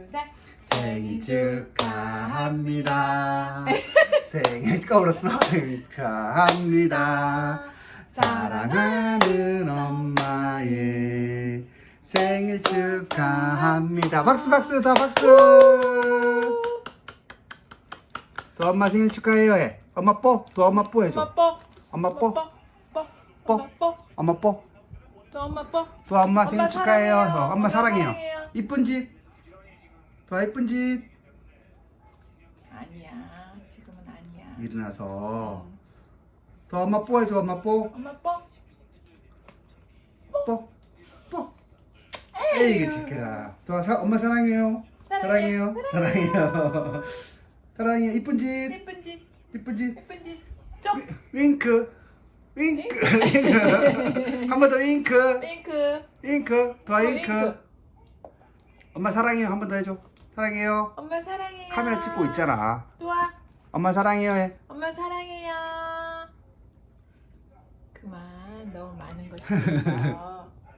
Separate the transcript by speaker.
Speaker 1: 셋.
Speaker 2: 생일 축하합니다. 생일 꺼버렸어. 축하합니다. 사랑하는 엄마의 생일 축하합니다. 박수 박수 더 박수. 또 엄마 생일 축하해요 해. 엄마 뽀. 또 엄마 뽀 해줘.
Speaker 1: 엄마 뽀.
Speaker 2: 엄마 뽀.
Speaker 1: 뽀.
Speaker 2: 뽀.
Speaker 1: 뽀.
Speaker 2: 엄마 뽀.
Speaker 1: 또 엄마 뽀.
Speaker 2: 또 엄마
Speaker 1: 엄마
Speaker 2: 생일 축하해요.
Speaker 1: 사랑해요.
Speaker 2: 엄마
Speaker 1: 엄마
Speaker 2: 사랑해요.
Speaker 1: 사랑해요.
Speaker 2: 이쁜 짓. 더 이쁜 짓.
Speaker 1: 아니야. 지금은 아니야.
Speaker 2: 일어나서 더 엄마 뽀 해줘. 엄마 뽀.
Speaker 1: 엄마 뽀.
Speaker 2: 뽀. 뽀. 에이 착해라. 또 엄마 사랑해요. 사랑해요. 사랑해요. 사랑해요. 이쁜 짓.
Speaker 1: 예쁜 짓.
Speaker 2: 이쁜 짓.
Speaker 1: 예쁜 짓. 쪽.
Speaker 2: 윙크. 윙크. 한 번 더 윙크.
Speaker 1: 윙크.
Speaker 2: 윙크. 더 윙크.
Speaker 1: 윙크.
Speaker 2: 엄마 사랑해요. 한 번 더 해줘. 사랑해요.
Speaker 1: 엄마 사랑해요.
Speaker 2: 카메라 찍고 있잖아.
Speaker 1: 좋아.
Speaker 2: 엄마 사랑해요 해.
Speaker 1: 엄마 사랑해요. 그만. 너무 많은 거 시켰어.